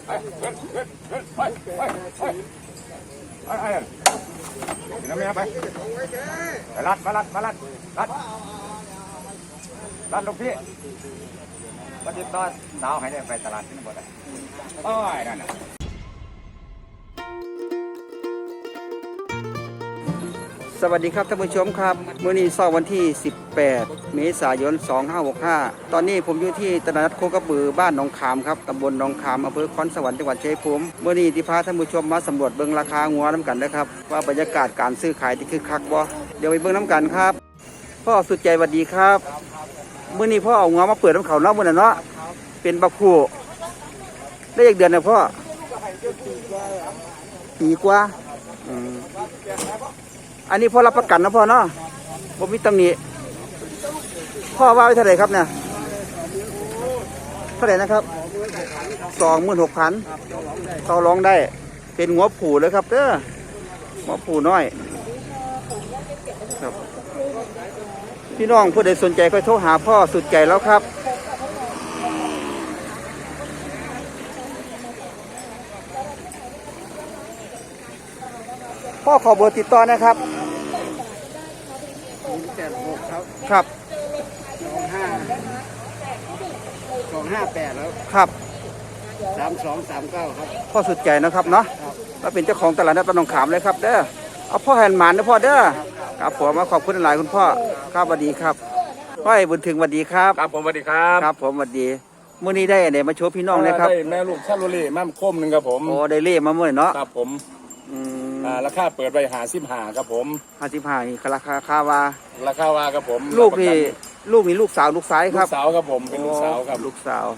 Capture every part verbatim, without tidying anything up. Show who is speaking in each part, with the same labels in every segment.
Speaker 1: ไปไปไปไปไปน้ำเมียไปไปรัดมารัดมารัดรัดรัดลูกพี่มาติดต่อสาวให้ได้ไปตลาดที่นั่นบ่ได้โอ้ยนั่นน่ะ
Speaker 2: สวัสดีครับท่านผู้ชมครับมื้อนี้เช้าวันที่สิบแปดเมษายนสองพันห้าร้อยหกสิบห้าตอนนี้ผมอยู่ที่ตลาดนัดโคกระบือบ้านหนองขามครับตำบลหนองขามอำเภอคอนสวรรค์จังหวัดชัยภูมิมื้อนี้ที่พาท่านผู้ชมมาสำรวจเบิ่งราคางัวน้ำกันนะครับว่าบรรยากาศการซื้อขายที่คึกคักบ่เดี๋ยวไปเบิ่งน้ำกันครับพ่อสุดใจสวัสดีครับมื้อนี้พ่อเอางัวมาเปิดน้ำเขาเนาะมื้อนั้นเนาะเป็นบักคู่ได้อีกเดือนนะพ่อปีกว่าอืมอันนี้พ่อรับประกันนะพ่อเนาะผมมีตำหนิพ่อว่าไว้เท่าไหร่ครับเนี่ยเท่าไหร่นะครับสองหมื่นหกพันต่อรองได้เป็นหัวผูเลยครับเด้อหัวผูน้อยครับพี่น้องผู้ใดสนใจก็โทรหาพ่อสุดใจแล้วครับพ่อขอเบอร์ติดต่อนะครับ
Speaker 3: แปดหกครับ
Speaker 2: ครับ
Speaker 3: สองห้าสองห้าแปดแล้ว
Speaker 2: ครับ
Speaker 3: สามสองสามเก้าครับ
Speaker 2: พ่อสุดใจนะครับเนาะแล้วเป็นเจ้าของตลาดนัดบ้านหนองขามเลยครับเด้อเอาพ่อแฮนด์หมานนะพ่อเด้อครับผมมาขอบคุณหลายคุณพ่อครับสวัสดีครับพ่อไอ้บุญถึงสวัสดีครับ
Speaker 1: ครับผมสวัสดีครับ
Speaker 2: ครับผมสวัสดีมื้อนี้ได้ไหนมาโชว์พี่น้องนะครับ
Speaker 1: ได้แม่ลูกชาโลเล่แม่คมหนึ่งครับผม
Speaker 2: โอ้ได้เล่มาเมื่อเนาะ
Speaker 1: ครับผมอ่าราคาเปิดไปหาสิบหาครับผม
Speaker 2: ห้าสิบห้านี่ราคาคาวา
Speaker 1: ราคาวาครับผม
Speaker 2: ลูกนี่ลูกนี่ลูกสาวลูกสายครับ
Speaker 1: ลูกสาวครับผมเป็นลูกสาวครับ
Speaker 2: ลูกสาว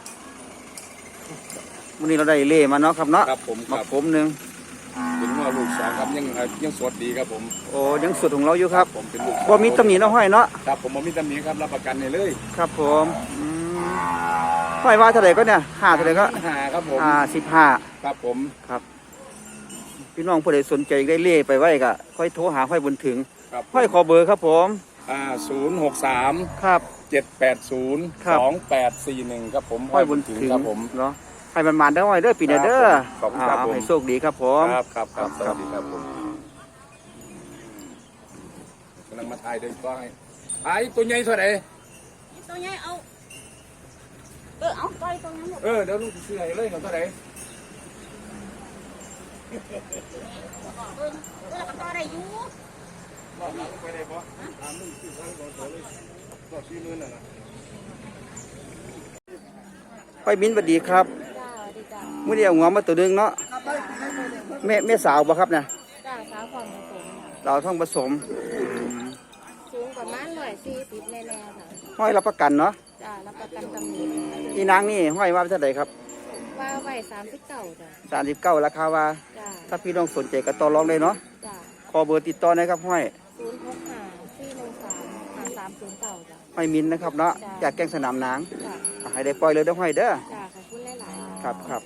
Speaker 2: มื้อนี้เราได้เล่มาเนาะครับเนาะ
Speaker 1: ครับผม
Speaker 2: มาผมหนึ่ง
Speaker 1: เป็นว่าลูกสาวครับยังยังสดดีครับผม
Speaker 2: โอ้ยังสุดของเราอยู่ครับ
Speaker 1: ผมเป็นลูก
Speaker 2: บ่มีตำหนิเนาะห้อยเนาะ
Speaker 1: ครับผมบ่มีตำหนิครับรับประกันให้เลย
Speaker 2: ครับผมห้อยว่าเท่าไหร่ก็เนี่ยห้าเท่าไหร่ก็
Speaker 1: ห้าครับผม
Speaker 2: ห้าสิบห้า
Speaker 1: ครับผม
Speaker 2: ครับพี่น้องผู้ใดสนใจได้เล่ไปไว้ก็ค่อยโทรหาค่อยบุญถึงค่อยขอเบอร์ครับผม
Speaker 1: อ่าศูนย์หกสาม
Speaker 2: ครับ
Speaker 1: เจ็ดแปดศูนย์สองแปดสี่หนึ่งครับผม
Speaker 2: ค่อยบุญถึงครับผมเนาะให้มันมาได้ห้อยเด้อปีนี้เด้อ
Speaker 1: ขอบคุณครับผม
Speaker 2: ให้โชคดีครับผม
Speaker 1: ครับครับครับสวัสดีครับผมกำลังมาถ่ายเดินก็ให้ไอ้ตัวใหญ่เท่าไหร่
Speaker 4: ตัวใหญ่เอาเออเอาตัวตัวนั้นหมด
Speaker 1: เออเดี๋ยวลูกซื้อให้เลยเท่าไหร่
Speaker 4: เออเออตัวอะไรอยู่
Speaker 1: รอบหลังไปได้ปะตามมึงซื้อทั้งตัวเลยรอบสี่หมื่นน่ะนะ
Speaker 2: ค่อยมิ้นสวัสดีครับเมื่อเดียวงอมาตัวนึงเนาะแม่แม่สาวบ่ครับเนี่ย
Speaker 4: จ้าสาวความผสม
Speaker 2: เราท่องผสม
Speaker 4: สูงประมาณร้อยสี่สิบแน่ๆค่ะ
Speaker 2: ห้อยรับประกันเนาะ
Speaker 4: จ้ารับประกันตำหนิ
Speaker 2: อีนางนี่ห้อยว่าเท่าไหร่ครับ
Speaker 4: ว่าไว้สามสิบเก้าจ้ะ
Speaker 2: สามสิบเก้าราคาว่าถ้าพี่น้องสนใจก็ต่อรองได้เนาะ
Speaker 4: จ้า
Speaker 2: ขอเบอร์ติดต่อนะครับห้อย
Speaker 4: ศูนย์หกห้าสี่หนึ่งสามห้าสามศูนย์เก้าจ้ะ
Speaker 2: ห้อยมินนะครับเนาะอยากแกงสนามนางให้ได้ปล่อยเลยเด้อห้อยเด้อ
Speaker 4: จ้าขอบคุณหลายๆ
Speaker 2: ครับครับ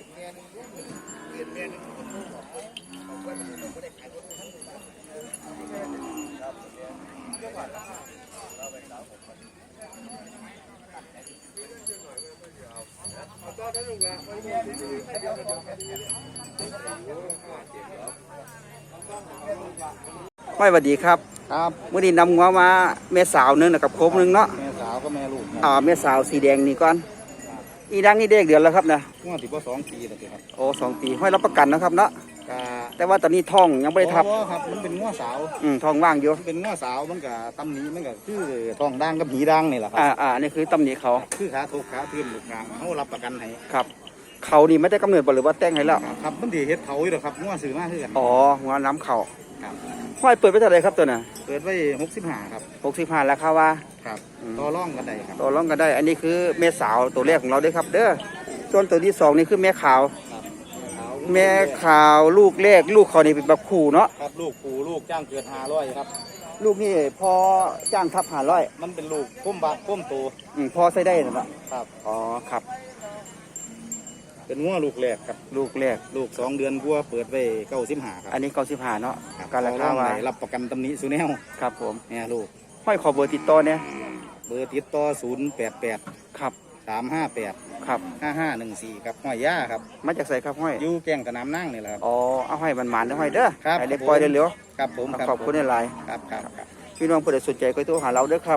Speaker 2: ห้อยสวัสดีครับ
Speaker 3: ครับ
Speaker 2: เมื่อนี้นำงัวมาแม่สาวนึงกับโคมนึงเนาะ
Speaker 3: แม่สาวก็แม่ลูก
Speaker 2: อ่าแม่สาวสีแดงนี่ก่อนอีดังนี่เด็กเดือนแล้วครับนะ
Speaker 3: งวดที่พ่อสองปีแล้วครับ
Speaker 2: โอ้สองปีห้อยรับประกันนะครับเนาะ
Speaker 3: กา
Speaker 2: แต่ว่าตอนนี้ท้องยังไม่ได้ทับ
Speaker 3: ครับมันเป็นงวดสาว
Speaker 2: อืมท้องว่างอยู่
Speaker 3: เป็นงวดสาวมันกับตำหนิมันกับคือท้องด่างกับหีด่างนี่แหละครับ
Speaker 2: อ่าอ่านี่คือตำหนิเขา
Speaker 3: คือขาทุกขาพื้นลูกกลางเขารับประกันให้
Speaker 2: ครับเขานี่ไม่ได้กำเนิดบ่หรือว่าแต่งให้แล้ว
Speaker 3: ครับมันดีเฮ็ดเขาอยู่หรอครับงวดซื้อมาคือกัน
Speaker 2: อ๋อหัวน้ำเขา
Speaker 3: ครับ
Speaker 2: ห้อยเปิดไปเท่าไหร่ครับตัวน่ะ
Speaker 3: เปิดไว้หกสิบห้าครับ
Speaker 2: หกสิบห้าราคาว่า
Speaker 3: ครับต่อรองกันได้ครับ
Speaker 2: ต่อรองกันได้อันนี้คือแม่สาวตัวแรกของเราด้วยครับเด้อส่วนตัวที่สองนี่คือแม่ขาวแม่ขาวลูกแรกลูกเขานี่เป็นแบบขู่เนาะ
Speaker 3: ครับลูกขู่ลูกจ้างเกิดห้าร้อยครับ
Speaker 2: ลูกนี่พอจ้างทับห้าร้อย
Speaker 3: มันเป็นลูกพุ่มบาพุ่มโต
Speaker 2: อืมพอใส่ได้นะ
Speaker 3: ครับ
Speaker 2: อ๋อครับ
Speaker 3: เป็นงัวลูกแรกครับ
Speaker 2: ลูกแรก
Speaker 3: ลูกสองเดือนกัวเปิดไว้เก้าสิบห้าครับ
Speaker 2: อันนี้เก้าสิบห้าเนาะ
Speaker 3: การราคาว่ารับประกันตำหนิสุแนว
Speaker 2: ครับผม
Speaker 3: เนี่ยลูก
Speaker 2: ห้อยขอเบอร์ติดต่อเนี่ย
Speaker 3: เบอร์ติดต่อศูนย์แปดแปด
Speaker 2: ครับ
Speaker 3: สามห้าแปด
Speaker 2: ครับ
Speaker 3: ห้าห้าหนึ่งสี่ครับห้อยย่าครับ
Speaker 2: มาจากใส่ครับห้อย
Speaker 3: อยู่แก่งสนามนั่งนี่แหละครับ
Speaker 2: อ๋อเอาให้มันหมานๆเด้อห้อยเด้อ
Speaker 3: ครับ
Speaker 2: ให้ได้ปล่อยได้เร็ว
Speaker 3: ครับผมรับ
Speaker 2: ขอบคุณหลาย
Speaker 3: ครับครับครับ
Speaker 2: ๆพี่น้องผู้ใดสนใจก็โทรหาเราเด้อครับ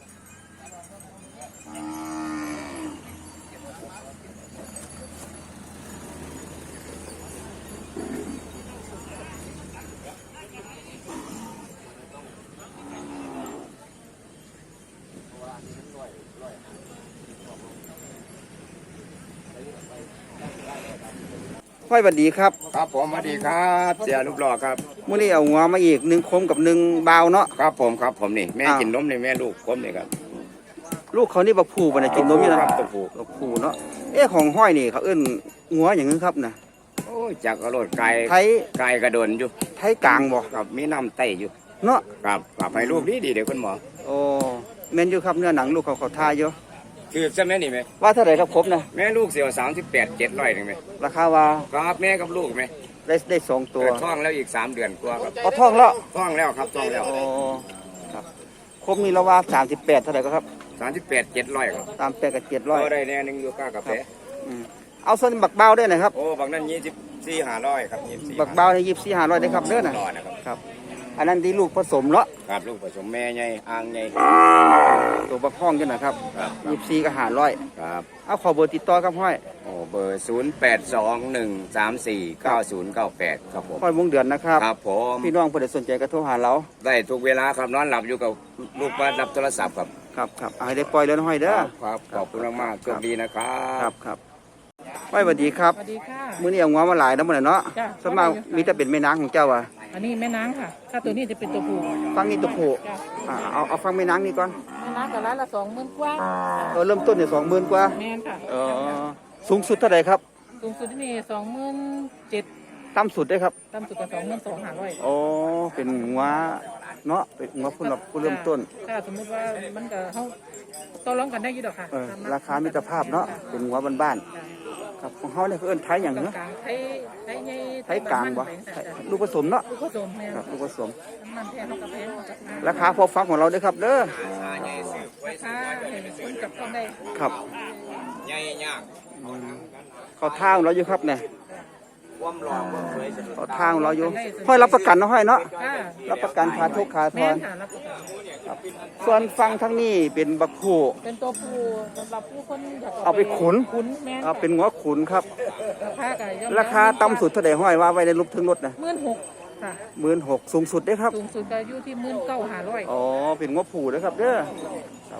Speaker 2: ห้อยบัดดีครับ
Speaker 1: ครับผมสวัสดีครับเสียรูปหล่อครับ
Speaker 2: มื้อนี้เอาหัวมาอีกหนึ่งคมกับหนึ่งบาวเนาะ
Speaker 1: ครับผมครับผมนี่แม่
Speaker 2: อ้าว
Speaker 1: กินนมนี่แม่ลูกผมนี่ครับ
Speaker 2: ลูกเขานี่บักผูบ่เนี่ยกินนมอยู่นะครับ
Speaker 1: ตัวผู้
Speaker 2: บักผูเนาะเอ๊ะของห้อยนี่เขาเอิ้นหัวอย่างนึงครับนะ
Speaker 1: โอ้ยจากกระโดดไกล
Speaker 2: ไทย
Speaker 1: ไกลกระโดนอยู่
Speaker 2: ไทยกลางบ่
Speaker 1: ครับมีน้ำไตอยู่
Speaker 2: เนาะ
Speaker 1: ครับครับให้ลูกดีดีเดี๋ยวคุณหมอ
Speaker 2: โอ้แม่นอยู่ครับเนื้อหนังลูกเขาเขาทาอยู่
Speaker 1: คือใช่ไหมนี่ไหม
Speaker 2: ว่าเท่าไหร่ครับครบนะ
Speaker 1: แม่ลูกเสียวสามสิบแปดเจ็ดร้อยหนึ่งไหม
Speaker 2: ราคาว่า
Speaker 1: ครับแม่กับลูกไหม
Speaker 2: ได้ได้สองตัว
Speaker 1: เกิดท้องแล้วอีกสามเดือนกว่าครับ
Speaker 2: เอาท่องแล้ว
Speaker 1: ท้องแล้วครับท้องแล้ว
Speaker 2: โอ้ครับครบนี่เราว่าสามสิบแปดเท่าไหร่ก็ครับ
Speaker 1: สามสิบแปดเจ็ดร้อยครับ
Speaker 2: ตามแปดกับเจ็ดร้อย
Speaker 1: ก็ได้แน่หนึ่งอยู่ก้ากาแฟ
Speaker 2: อืมเอาส่วนบักเบาด้วยหนะครับ
Speaker 1: โอ้บางนั้นยี่สิบสี่ห้าร้อยครับยี่สิบสี่
Speaker 2: บักเบาในยี่สี่ห้าร้อยได้ครับเด้อนะ
Speaker 1: ร้อยนะครับ
Speaker 2: ครับ อันนั้นที่ลูกผสมเนาะ
Speaker 1: ครับลูกผสมแม่ใหญ่อ่างใหญ่
Speaker 2: ตัวบักห้องกันนะครับ
Speaker 1: ครับ
Speaker 2: ยี่สี่ก็หาร้อย
Speaker 1: ครับ
Speaker 2: เอาขอเบอร์ติดต่อครับห้อย
Speaker 1: โอ้เบอร์ศูนย์แปดสองหนึ่งสามสี่เก้าศูนย์เก้าแปดครับผม
Speaker 2: ห้อยวงเดือนนะครับ
Speaker 1: ครับผม
Speaker 2: พี่น้องผู้ใดสนใจก็โทรหาเรา
Speaker 1: ได้ทุกเวลาครับนอนหลับอยู่กับลูกบ้านรับโทรศัพท์ครับ
Speaker 2: ครับครับเอาให้ได้ปล่อยแล้วนะห้อยเด้อ
Speaker 1: ครับขอบคุณมากๆโชคดีนะครั
Speaker 2: ครับ บครับห้อยสวัสดีครับ
Speaker 5: สวัสดีค่ะ
Speaker 2: มื้อนี้เอางัวมาหลายแล้วมื้อนี้เนาะ
Speaker 5: จ้ะ
Speaker 2: ส่วนมากมีแต่เป็นแม่นางของเจ้าอ่ะ
Speaker 5: อันนี้แม่นางค่ะ ถ้าตัวนี้จะเป็นตัวผู้
Speaker 2: ฟังนี่ตัวผู้
Speaker 5: จ้ะ
Speaker 2: อ่าเอาเอาฟังแม่นางนี่ก่อน
Speaker 5: แม่นางกับร้านละสองหมื่นกว่า
Speaker 2: เออเริ่มต้นเนี่ยสองหมื่นกว่า
Speaker 5: แม่นค่ะ
Speaker 2: เออสูงสุดเท่าไหร่ครับ
Speaker 5: สูงสุดที่นี่สองหมื่นเจ็ด
Speaker 2: ต่ำสุดได้ครับ
Speaker 5: ต่ำสุดก็สองหมื่นสองห้าร้อย
Speaker 2: อ๋อเป็นงัวเนาะเป็นงัวผู้รับผู้เริ่มต้น
Speaker 5: ถ้าสมมติว่ามันก็เขาต่อรองกันได้อยี่ดอกค่ะ
Speaker 2: เออราคามิตรภาพเนาะเป็นงัวบ้านๆครับของเฮาเนี่ยเขาเอิ้นไทยหยัง
Speaker 5: กลาง
Speaker 2: เนาะ
Speaker 5: กลางๆไทยไทยใหญ่
Speaker 2: ไทยกลางบ่ไทยลูกผสมเนาะ
Speaker 5: ลูกผสมแม่น
Speaker 2: ครับลูกผสม
Speaker 5: น้ำมันแท้เขากับแพงเขากับ
Speaker 2: ราคาพอฟังของเราเด้อครับเด้อ
Speaker 5: ราคาเห็นคนกับคนได้
Speaker 2: ครับ
Speaker 1: ใหญ่ยาก
Speaker 2: เขาทางเราอยู่ครับเนี่ย
Speaker 1: ความหล่อความสวย
Speaker 2: เขาทางเราอยู่ห้อยรับประกันเนาะห้อยเนาะ
Speaker 5: ค่ะ
Speaker 2: รับประกันพาทุกขาท
Speaker 5: แม่
Speaker 2: อน น
Speaker 5: ค่ะรับประกัน
Speaker 2: ส่วนฟังทั้งนี้เป็นบักโข
Speaker 5: เป็นตัวผู้สำหรับผู้คนอยาก
Speaker 2: เอาไปขุน
Speaker 5: ขุนแม่น
Speaker 2: เอาเป็นงัวขุนครับ
Speaker 5: ราคาก็ย่อม
Speaker 2: ราคาต่ำสุดเท่าไหร่ห้อยว่าไว้ในรูปถึงรถนะ
Speaker 5: หมื่นหกค่ะ
Speaker 2: หมื่นหกสูงสุดได้อครับ
Speaker 5: สูงสุดก็อยู่ที่หมื่นเก้าห้าร้อย
Speaker 2: อ๋อเป็นงัวผูนะครับเด้อครับ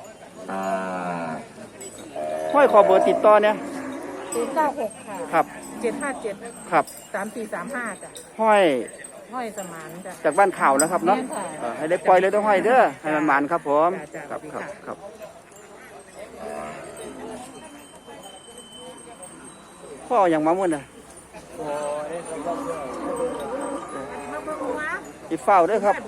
Speaker 2: ห้อยขอเบอร์ติดต่อเนี่ย
Speaker 5: ศูนย์เก้าหกค่ะ
Speaker 2: ครับ
Speaker 5: เจ็ดห้าเจ็ด
Speaker 2: ครับ
Speaker 5: สามสี่สามห้าจ้ะ
Speaker 2: ห้อย
Speaker 5: ห้อยสมานจ้ะ
Speaker 2: จากบ้านข่าวนะครับเนาะ
Speaker 5: แม่นค่ะ
Speaker 2: เออให้ได้ปล่อยเลยต้องห้อยเด้อให้มันหมานครับผม
Speaker 5: จ้ะ
Speaker 2: ครับ
Speaker 5: จ้ะ
Speaker 2: ครับครับพ่ออย่างมาเมื่อน่ะอีเฝ้าเด้วยครับ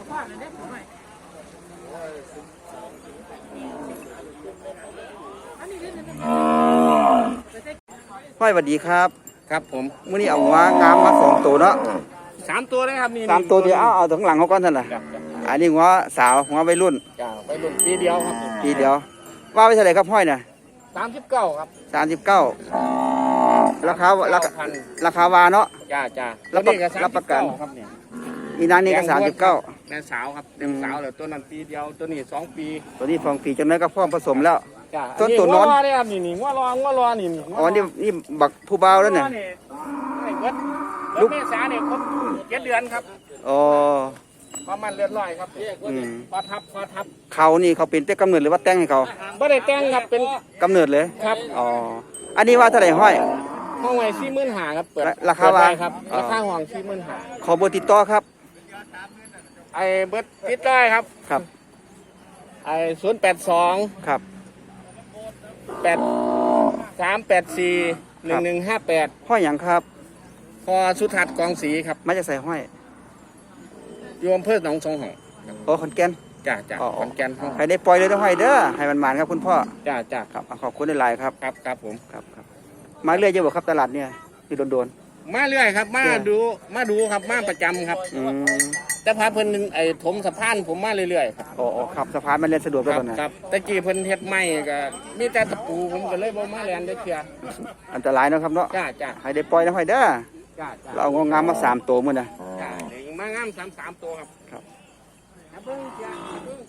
Speaker 2: ห้อยสวัสดีครับ
Speaker 1: ครับผม
Speaker 2: มื้อนี้เอาหัวงามมาสองตัวเนาะ
Speaker 1: สามตัวเลยครับนี่
Speaker 2: สามตัวเดียวเอาเอาถึงหลังเขาก่อนท่านน่ะอันนี้หัวสาวหัววัยรุ่น
Speaker 1: จ้าไปลุกปีเดียวครับ
Speaker 2: ทีเดียว ว่าไปเท่าไหร่ครับห้อยน่ะ
Speaker 1: สามสิบเก้าครับ
Speaker 2: สามสิบเก้าราคาราคา
Speaker 1: พัน
Speaker 2: ราคาวาเนาะ
Speaker 1: จ้าจ้า
Speaker 2: รับประรับประกัน
Speaker 1: ครับเนี่ย
Speaker 2: อีนางนี่ก็สามสิบเก้า
Speaker 1: แม่สาวครับเด็กสาวเลยตัวนั้นปีเดียวตัวนี้สองปี
Speaker 2: ตัวนี้ฟองปีจังนั้นก็พร้อมผสมแล้ว
Speaker 1: จ้า
Speaker 2: ต้นตัวนอน
Speaker 1: งัวรอเลยครับนี่นี่งัวรองัวรอนี่นี่
Speaker 2: อ๋อนี่นี่บักผู้เบาวแล้วเนี่ย
Speaker 1: งัวไอ้เบิด
Speaker 2: ลู
Speaker 1: ลู
Speaker 2: ก
Speaker 1: กเมษาเนี่ยครบเจ็ดเดือนครับ
Speaker 2: อ๋อ
Speaker 1: ประมาณเลือดลอยครับ
Speaker 2: อืม
Speaker 1: พอทับพอทับ
Speaker 2: เขานี่เขาเป็นแต่กำเนิดหรือว่าแต่งให้เขา
Speaker 1: ไม่ได้แต่งครับเป็น
Speaker 2: กำเนิดเลย
Speaker 1: ครับ
Speaker 2: อ๋ออันนี้ว่าเท่าไหร่ห้อย
Speaker 1: ห้องไว้สี่หมื่นหาครับเปิด
Speaker 2: ราคา
Speaker 1: เปิด
Speaker 2: ว่า
Speaker 1: ไครับ
Speaker 2: อ๋อ
Speaker 1: ราคาห้องสี่หมื่นหา
Speaker 2: ขอเบอร์ติดต่อครับ
Speaker 1: ไอ้เบิดติดได้ครับ
Speaker 2: ครับ
Speaker 1: ไอ้ศูนย์แปดสอง
Speaker 2: ครับ
Speaker 1: แปดสามแปดสี่หนึ่งหนึ่งห้าแปด
Speaker 2: ห้อยอย่างครับ
Speaker 1: พอสุทัศน์กองศรีครับ
Speaker 2: มาจากใส่ห้อย
Speaker 1: โยมเพื่อหนองสองห้อง
Speaker 2: โอ้ขอนแก่น
Speaker 1: จ้าจ้า
Speaker 2: อ๋อ
Speaker 1: ขอนแก่นห้อง
Speaker 2: ให้ได้ปล่อยเลยต้องห้อยเด้อให้มันหมานครับคุณพ่อ
Speaker 1: จ้าจ้า
Speaker 2: ครับขอบคุณหลายๆครับ
Speaker 1: ครับครับผม
Speaker 2: ครับครับมาเรื่อยเยอะบ่ครับตลาดเนี่ยที่โดน
Speaker 1: มาเรื่อยครับ มา
Speaker 2: จ้ะ
Speaker 1: ดูมาดูครับมาประจำครับ
Speaker 2: ๆอืม
Speaker 6: แต่พาเพิ่นไอ้ถมสะพานผมมาเรื่อยๆครับ
Speaker 2: อ๋ออ๋อครับสะพานมันเล่นสะดวก
Speaker 6: ค
Speaker 2: แล้ว
Speaker 6: รับ
Speaker 2: ตอนนั้น
Speaker 6: ครับตะกี้เพิ่นเฮ็ดไม้ก็มีแต่ตะปูผมก็เลยบ่มาแลนได้เทื่อ
Speaker 2: อันตรายเนาะครับเนาะ
Speaker 6: จ้าจ้า
Speaker 2: ให้ได้ปล่อยนะห้อยเด้อ
Speaker 6: จ้าจ้า
Speaker 2: เราเอางวงามมาสามตัวมื้อน่ะ
Speaker 6: จ้าเด็กมางามสามสามตัวครับ
Speaker 2: ครับ
Speaker 6: ครับเบิ่งจ้าเบิ่ง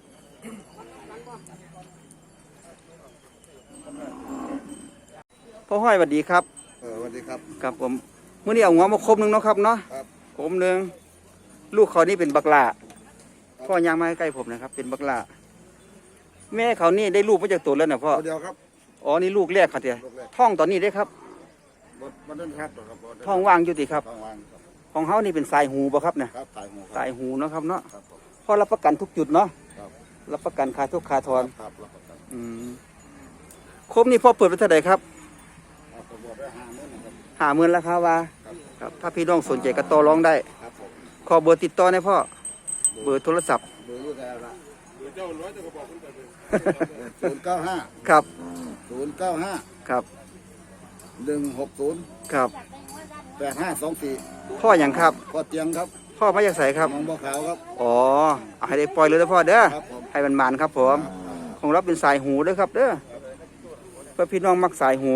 Speaker 2: พ่อห้อยสวัสดีครับ
Speaker 3: เออสวัสดีครับ
Speaker 2: ครับผมมื้อนี้เอางวมาครบหนึงเนาะครับเนาะ
Speaker 3: ครับ
Speaker 2: ครบหนึงลูกเขานี่เป็นบักหล่าพ่อย่างมาใกล้ๆผมนะครับ เป็นบักหล่าแม่เขานี่ได้ลูกมาจากตัวแล้วนะพ่อ
Speaker 3: ตัวเดียวครับ
Speaker 2: อ๋อนี่ลูกแรกครับเตี้ย
Speaker 3: ลูกแรก
Speaker 2: ท้องตอนนี้ได้ครับ
Speaker 3: บดมันต้นครับครับบด
Speaker 2: ท้องว่างอยู่ติครับ
Speaker 3: ท้องวางครับ
Speaker 2: ของเขานี่เป็นสายหูบ่ครับเนี่ย
Speaker 3: ครับสายหูครับ
Speaker 2: สายหูเนาะครับเนาะ
Speaker 3: ครับผม
Speaker 2: พ่อรับประกันทุกจุดเนาะ
Speaker 3: ครับ
Speaker 2: รับประกันค่าทุกค่าทอน
Speaker 3: ครับรับประกัน
Speaker 2: อืมครบนี่พ่อเปิดไปเท่าไหร่ครับ
Speaker 3: ครับผมบอกได้ห้าหมื่นนะครับ
Speaker 2: หาเงินราคาว่า
Speaker 3: ครับ
Speaker 2: ครับถ้าพี่น้องสนใจก็ต่อรองได้
Speaker 3: ครับผม
Speaker 2: ขอเบอร์ติดต่อให้พ่อเบอร์โทรศัพท์
Speaker 3: เบอร์อยู่แต่ละศูนย์เก้าห้า
Speaker 2: ครับ
Speaker 3: ศูนย์เก้าห้า
Speaker 2: ครับ
Speaker 3: หนึ่งหกศูนย์
Speaker 2: ครับ
Speaker 3: แปดห้าสองสี่
Speaker 2: พ่ออย่างครับ
Speaker 3: พ่อเตียงครับ
Speaker 2: พ่อมาจากไสครับ
Speaker 3: น้องบัวขาวครับ
Speaker 2: อ๋อเอาให้ได้ปล่อยเลยนะพ่อเด้อ
Speaker 3: ครับผม
Speaker 2: ให้มันมันๆครับผม ของเราเป็นสายหูเด้อครับเด้อเพื่อพี่น้องมักสายหู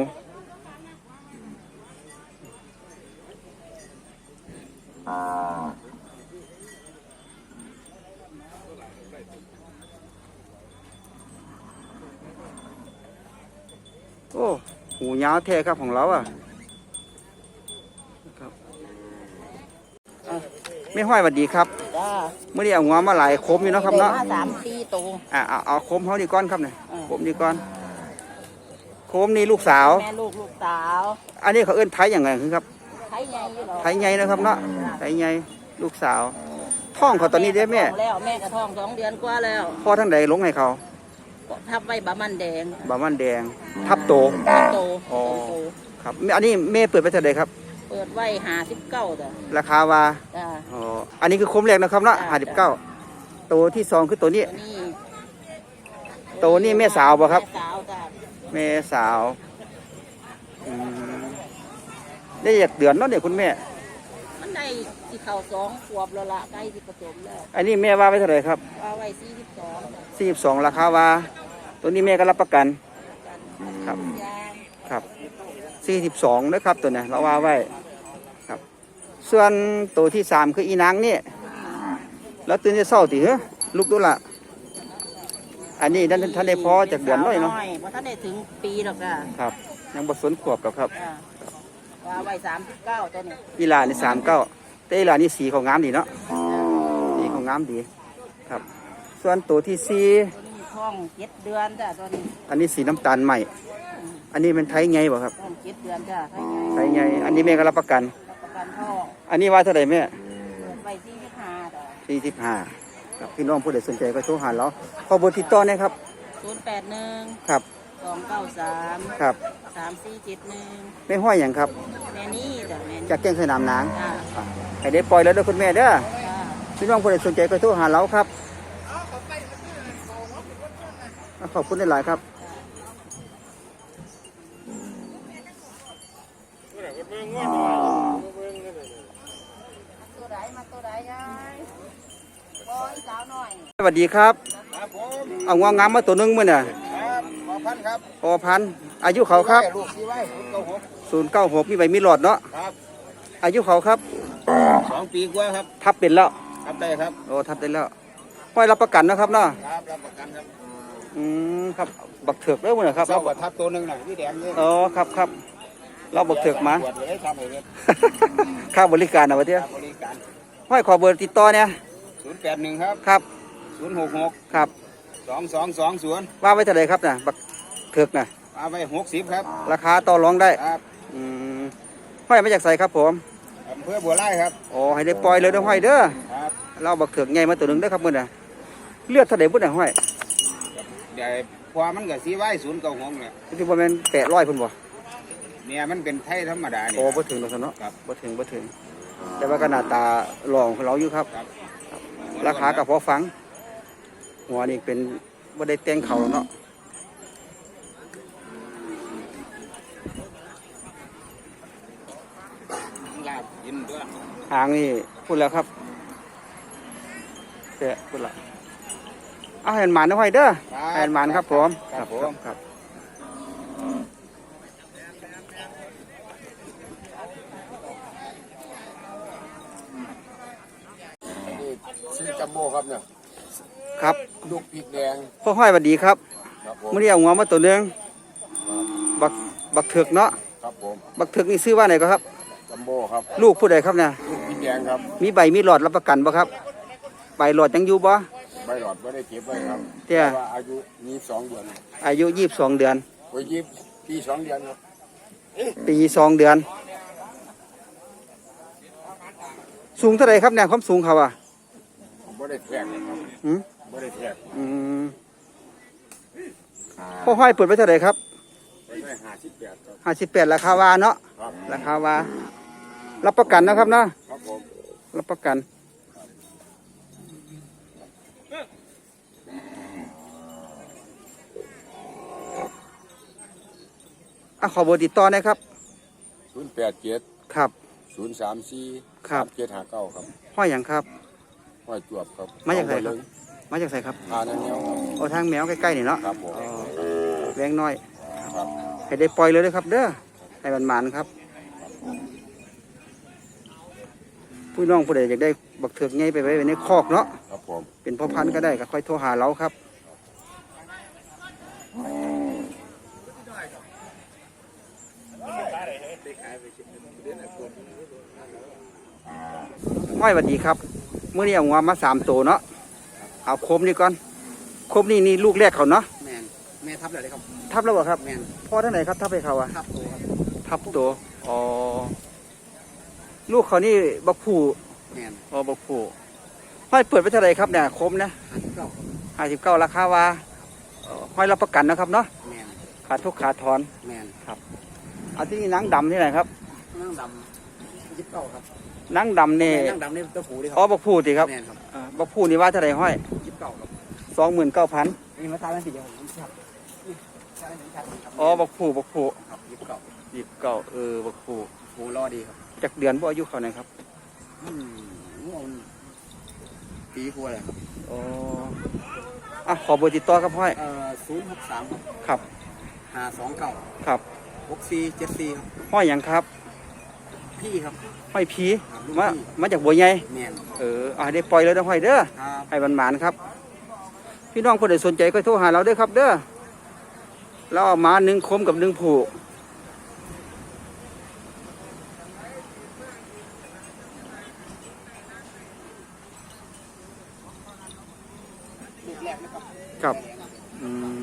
Speaker 2: โอ้หูยาวแท้ครับของเราอ่ะครับอ่ะไม่ห้อยสวัสดีครับ
Speaker 4: จ้า
Speaker 2: เมื่อนี้เอางวมาหลายคมอยู่เนาะครับเนาะ
Speaker 4: ได้มาสามสี่ตัว
Speaker 2: อ่ะเอาเอาโคมเขาดีก้อนครับเนี่ย
Speaker 4: อ่า
Speaker 2: โคมดีก้อนโคมนี่ลูกสาว
Speaker 4: แม่ลูกลูกสาว
Speaker 2: อันนี้เขาเอิ้นไทยอย่างไงคือครับ
Speaker 4: ไทยใหญ่อยู่หรอ
Speaker 2: ไทยใหญ่นะครับเนาะไทยใหญ่ลูกสาว ท้องเขาตอนนี้ได้แม่
Speaker 4: ท้องแล้วแม่กระท้องสองเดือนกว่าแล้ว
Speaker 2: พ่อทั้งใดลงให้เขา
Speaker 4: ทับไว้บะมันแดง
Speaker 2: บามันแดง ทับโต
Speaker 4: โต
Speaker 2: อ๋อ
Speaker 4: โต
Speaker 2: ครับอันนี้แม่เปิดไปเท่าไหร่ครับ
Speaker 4: เปิดไว้หาสิบเก้าจ้ะ
Speaker 2: ราคาว่า
Speaker 4: จ้า
Speaker 2: อ๋ออันนี้คือโคมแรกนะครับเนาะห้าสิบเก้าตัวที่สองคือตัวนี้
Speaker 4: ตัวนี้
Speaker 2: ตัวนี้แม่สาวบ่ครับ
Speaker 4: แม่สาวจ้ะ
Speaker 2: แม่สาวอืมได้อยากเดือนเนาะเนี่ยคุณแม่
Speaker 4: มันได้ที่เข่าสองขวบแล้วละใกล้ที่ผสมแล้ว
Speaker 2: อันนี้แม่ว่าไว้เท่าไหร่ครับ
Speaker 4: ว่าไว้สี่สิบสอง
Speaker 2: สี่สิบสองราคาว่า ตัวนี้แม่ก็รับประกัน ครับ
Speaker 4: ยาง
Speaker 2: ครับสี่สิบสองนะครับตัวเนี้เราว่าไว้ครับ ส่วนตัวที่สามคืออีนางนี่แล้วตื่นจะเศร้าตีเหรอลูกดูละอันนี้ท่านท่านได้พอจากเดือนน้อยเนาะ
Speaker 4: เพราะท่านได้ถึงปีหรอกจ้ะ
Speaker 2: ครับ ยังบทสนขวบกับครับ
Speaker 4: จ้ะว่าไว้สามสิบเก้าตัวนี้
Speaker 2: อีหลานี่สามเก้าแต่อีหลานี่สีของงามดีเนาะสีของงามดีครับ ส่วนตัวที่สี่
Speaker 4: ตัวนี้ท้องเจ็ดเดือนจ้ะตัวนี้
Speaker 2: อันนี้สีน้ำตาลใหม่ อันนี้เป็นไทยไงบ่ครับ
Speaker 4: ท้องเจ็ดเดือนจ้ะไทย
Speaker 2: ไทยไงอันนี้แม่ก็รับประกัน
Speaker 4: รับประกันท้อง
Speaker 2: อันนี้ว่าเท่าไหร่แม่
Speaker 4: เปิดไว้สี่สิบห้าจ้ะ
Speaker 2: สี่สิบห้าครับพี่น้องผู้ใดสนใจก็โทรหาเราขอเบอร์ติดต่อหนะครับ
Speaker 4: ศูนย์แปดหนึ่ง
Speaker 2: ครับ
Speaker 4: สองเก้าสาม
Speaker 2: ครับ
Speaker 4: สามสี่เจ็ดหนึ่ง
Speaker 2: ไม่ห้อยอย่างครับ
Speaker 4: แม่นี่จ้ะแม่นี่
Speaker 2: จากแก้งสนามนาง
Speaker 4: จ้ะ
Speaker 2: อ่ะให้ได้ปล่อยแล้วเด้อคุณแม่เด้อ
Speaker 4: จ้ะ
Speaker 2: พี่น้องผู้ใดสนใจก็โทรหาเราครับขอบคุณหลายๆครับ
Speaker 4: ตัวไหนมาตัวไหนยายบอยสาวหน่อย
Speaker 2: สวัสดีครับ
Speaker 3: ครับผม
Speaker 2: เอางวงงามมาตัวหนึงมื้อน่ะ
Speaker 3: ครับขอพันครับ
Speaker 2: พอพันอายุเขาครับ
Speaker 3: ลูกสีไว้ศูนย์เก้าหก
Speaker 2: ศูนย์เก้าหกมีใบมีหลอดเนาะ
Speaker 3: ครับ
Speaker 2: อายุเขาครับ
Speaker 3: สองปีกว่าครับ
Speaker 2: ทับเป็นแล้ว
Speaker 3: ครับได้ครับ
Speaker 2: โอ้ทับได้แล้วห้อยรับประกันนะครับเนาะ
Speaker 3: ครับรับประกันครับ
Speaker 2: อืมครับบักเถือกเด้อมื้อน่ะครับ
Speaker 3: เศร้ากับทับตัวหนึ่งน่ะพี่แดงนี่
Speaker 2: อ๋อครับครับเราบักเถือกมา
Speaker 3: ตรวจเลยทำเลย
Speaker 2: ค่าบริการนะวะเตี้ย
Speaker 3: บริการ
Speaker 2: ห้อยขอเบอร์ติดต่อเนี่ย
Speaker 3: ศูนย์แปดหนึ่งครับ
Speaker 2: ครับ
Speaker 3: ศูนย์หกหก
Speaker 2: ครับ
Speaker 3: สองสองสองศูนย์
Speaker 2: ว่าไว้เท่าไหรครับน่ะบักเถือกน่ะ
Speaker 3: เอาไปหกสิบครับ
Speaker 2: ราคาต่อรองได้
Speaker 3: ครับ
Speaker 2: อืมห้อยมาจากไสครับผม
Speaker 3: อำเภอบัวไร่ครับ
Speaker 2: อ๋อให้ได้ปล่อยเลยเด้อห้อยเด้อ
Speaker 3: ครับ
Speaker 2: เราบักเถือกใหญ่มาตัวหนึงเด้อครับมื้อน่ะเลือดเท่าไหร่พุ่นน่ะห้อย
Speaker 3: เดี๋ยวพอมันก็สีไว้ศูนย์เก้าหกเนี่ย
Speaker 2: ที่บ่แม่นแปดร้อยพุ่นบ่
Speaker 3: เนี่ยมันเป็นไทยธรรมดาเนี่ย
Speaker 2: โอ้บ่ถึงดอกซะเนาะ
Speaker 3: ครับ
Speaker 2: บ่ถึงบ่ถึง แต่ว่าก็หน้าตาหล่อของเราอยู่ครับ
Speaker 3: ครับ
Speaker 2: ราคาก็พอฟัง หัวนี่เป็นบ่ได้แต่งเขาเนาะ
Speaker 3: ลาบกินด้วย
Speaker 2: หางนี่พูดแล้วครับแปะพุ่นละเอาให้มันหมานนะห้อยเด้อให้มันหมานครับผม
Speaker 3: ครับผม
Speaker 2: ครับ
Speaker 6: นี่ซื้อจัมโบ้ครับเนี่ย
Speaker 2: ครับ
Speaker 6: ลูกพริกแดง
Speaker 2: พ่อห้อยสวัสดีครับ
Speaker 6: ครับผม
Speaker 2: มื้อนี้เอาหัวมาตัวหนึงบักบักเถือกเนาะ
Speaker 6: ครับผม
Speaker 2: บักเถือกนี่ซื้อว่าไหนก็ครับ
Speaker 6: จัมโบ้ครับ
Speaker 2: ลูกผู้ใดครับเนี่ย
Speaker 6: ลูกพริกแดงครับ
Speaker 2: มีใบมีหลอดรับประกันบ่ครับใบหลอดยังอยู่บ่
Speaker 6: ใบหลอดไม่ได้เก็บไว้ครับ
Speaker 2: เตี้ย
Speaker 6: ว่าอายุยี่สิบสองเดือน
Speaker 2: อายุยี่สิบสองเดือน
Speaker 6: โอ้ยยี่สิบปีสองเดือนครับ
Speaker 2: ปีสองเดือน สูงเท่าไหร่ครับเนี่ยความสูงเขาอ่ะ
Speaker 6: ผมไม่ได้แทกเลยครับ
Speaker 2: อืม
Speaker 6: ไม่ได้แทก
Speaker 2: อืมพ่อห้อยเปิดไว้เท่าไหร่ครับ
Speaker 6: ไม่ได้ห้าสิบแปดครับ
Speaker 2: ห้าสิบแปดราคาวาเนาะ
Speaker 6: ครับ
Speaker 2: ราคาวารับประกันนะครับเนาะ
Speaker 6: ครับผม
Speaker 2: รับประกันอ่ะขอเบอร์ติดต่อหนะครับ
Speaker 6: ศูนย์แปดเจ็ด
Speaker 2: ครับ
Speaker 6: ศูนย์สามสี่
Speaker 2: ครับ
Speaker 6: เจ็ดห้าเก้าครับ
Speaker 2: ห้อยอย่างครับ
Speaker 6: ห้อยจวบครับ
Speaker 2: มาจากไหนครับ มาจากไสครับ
Speaker 6: ทานอันเนี้ยครับ
Speaker 2: เอาทางแมวใกล้ๆนี่เนาะ
Speaker 6: ครับผม
Speaker 2: อ๋อแวงน้อย
Speaker 6: ครับ
Speaker 2: ให้ได้ปล่อยเลยนะครับ เด้อให้มันหมานครับผู้น้องผู้ใดอยากได้บักเถือกไงไปไว้ในคอกเนาะ
Speaker 6: ครับผม
Speaker 2: เป็นพ่อพันธุ์ก็ได้ก็ค่อยโทรหาเราครับห้อยสวัสดีครับเมื่อนี้เอางวมาสามตัวเนาะเอาคมนี่ก่อนคมนี่นี่ลูกแรกเขาเนาะ
Speaker 3: แมนแม่ทับเลยครับ
Speaker 2: ทับแล้วเหรอครับ
Speaker 3: แมน
Speaker 2: พ่อท่านไหนครับทับไปเขาอะ
Speaker 3: ทับตัวครับ
Speaker 2: ทับตัวอ๋อลูกเขานี่บักผู
Speaker 3: แมน
Speaker 2: อ๋อบักผูห้อยเปิดไปเท่าไหร่ครับเนี่ยคมนะ
Speaker 3: หันเก้า
Speaker 2: ห้าสิบเก้าราคาว่าเอ่อห้อยรับประกันนะครับเนาะ
Speaker 3: แมน
Speaker 2: ขาดทุกขาดถอน
Speaker 3: แมน
Speaker 2: เอาที่นี่หนังดำที่ไหนครับ
Speaker 3: นั่งดำยิบเก้าครับ
Speaker 2: หนังดำนี่
Speaker 3: นั่งดำนี่ตัวผูดิครั
Speaker 2: อ๋อบักผูติครับ
Speaker 3: แมนครับ
Speaker 2: อ่าบักผูนี่ว่าเท่าไหร่ห้อย
Speaker 3: ยิบเก้าครับ
Speaker 2: สองหมื่นเก้าพัน
Speaker 3: นี่มาตายเป็นสีเดียวผมครับนี่ตายเป็นสีครับ
Speaker 2: อ๋อบักผูบักผู
Speaker 3: ครับยิบเก้า
Speaker 2: ยี่สิบเก้าเออบักผู
Speaker 3: ผูรอดีครับ
Speaker 2: จากเดือนบ่อายุเขาไหนครับ
Speaker 3: อืมงวปีกว่าเลยครับ
Speaker 2: อ๋ออ่ะขอเบอร์ติดต่อครับห้อย
Speaker 3: เอ่อศูนย์หกสามครับ
Speaker 2: ครับ
Speaker 3: ห้าสองเก้า
Speaker 2: ครับ
Speaker 3: หกสี่เจ็ดสี่ครับ
Speaker 2: ห้อยหยังครับ
Speaker 3: พี่ครับ
Speaker 2: ห้อยผี
Speaker 3: ครับลูก
Speaker 2: มา
Speaker 3: พี่
Speaker 2: มาจากบัวใหญ่
Speaker 3: แมน
Speaker 2: เอออ่ะได้ปล่อยเลยนะห้อยเด้อ
Speaker 3: ครับ
Speaker 2: ให้มันหมานครับ พี่น้องคนใดสนใจก็โทรหาเราเด้อครับ เด้อเราเอามาหนึ่งคมกับหนึ่งผูกครับอืม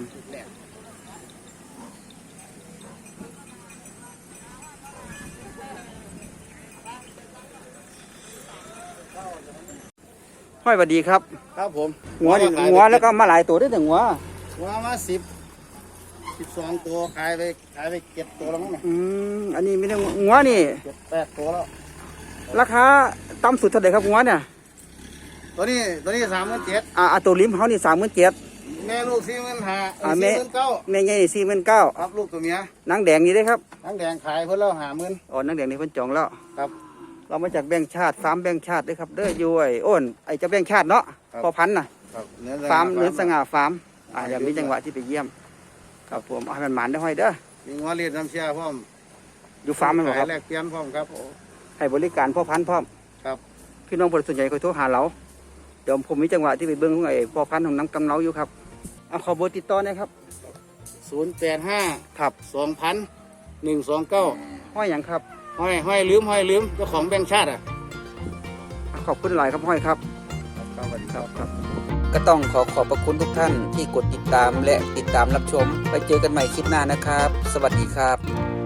Speaker 2: ห้อยสวัสดีครับ
Speaker 3: ครับผม
Speaker 2: หัวนี่หัวแล้วก็มาหลายตัวได้แต่หัว
Speaker 3: หัวมาสิบสิบสองตัวขายไปขายไปเก็บตัวแล้วมั้งเนี่ย
Speaker 2: อืมอันนี้ไม่ได้หัวนี่
Speaker 3: เก็บแปดตัวแล้ว
Speaker 2: ราคาต่ำสุดเท่าไหร่ครับหัวเนี่ย
Speaker 3: ตัวนี้ตัวนี้สามหมื่นเจ็ด
Speaker 2: อ่าอ่าตัวลิ้มเขานี่สามหมื่นเจ็ด
Speaker 3: แม่ลูกสี่หมื่นห้า
Speaker 2: อ่า
Speaker 3: สี่
Speaker 2: แม่
Speaker 3: หมื่นเก้า
Speaker 2: แม่ใหญ่สี่หมื่นเก้า
Speaker 3: ครับลูกตัวเมีย
Speaker 2: นางแดงนี่ได้ครับ
Speaker 3: ทั้งแดงขายเพื่อเราหาหมื่น
Speaker 2: อ๋อนางแดงนี่เพิ่นจองแล้ว
Speaker 3: ครับ
Speaker 2: เรามาจากแบงค์ชาติฟาร์มแบงค์ชาติด้วยครับเด้อยุ้ยโอ้นไอเจะแบงค์ชาติเนาะพอพันธุ์น่ะ
Speaker 3: ครับเนื้อ
Speaker 2: ฟาร์มเนื้อสง่าฟาร์มอ่าเดี๋ยวมีจังหวะที่ไปเยี่ยมครับผมเอาให้มันหมานได้ห้อยเด้อ
Speaker 3: มีงัวเลียดน้ำเชียพร้อม
Speaker 2: อยู่ฟาร์มมันบ่ครับ
Speaker 3: ขายแลกเปลี่ยนพร้อมครับ
Speaker 2: ให้บริการพ่อพันธุ์พร้อม
Speaker 3: ครับ
Speaker 2: พี่น้องคนส่วนใหญ่ก็โทรหาเราเดี๋ยวผมมีจังหวะที่ไปเบิ้งของไอ้พ่อพันธุ์ของน้ำกำเนาอยู่ครับเอาขอเบอร์ติดต่อหนะครับ
Speaker 3: ศูนย์แปดห้า
Speaker 2: ครับ
Speaker 3: สองพันหนึ่งสองเก้า
Speaker 2: ห้อยหยังครับ
Speaker 3: ห้อยห้อยลืมห้อยลืมเจ้าของแบงค์ชาติอ่ะ
Speaker 2: ขอบคุณหลายครับห้อยครับ
Speaker 3: ครับสวัสดีครับ
Speaker 2: ครับก็ต้องขอขอบพระคุณทุกท่านที่กดติดตามและติดตามรับชม ไปเจอกันใหม่คลิปหน้านะครับ สวัสดีครับ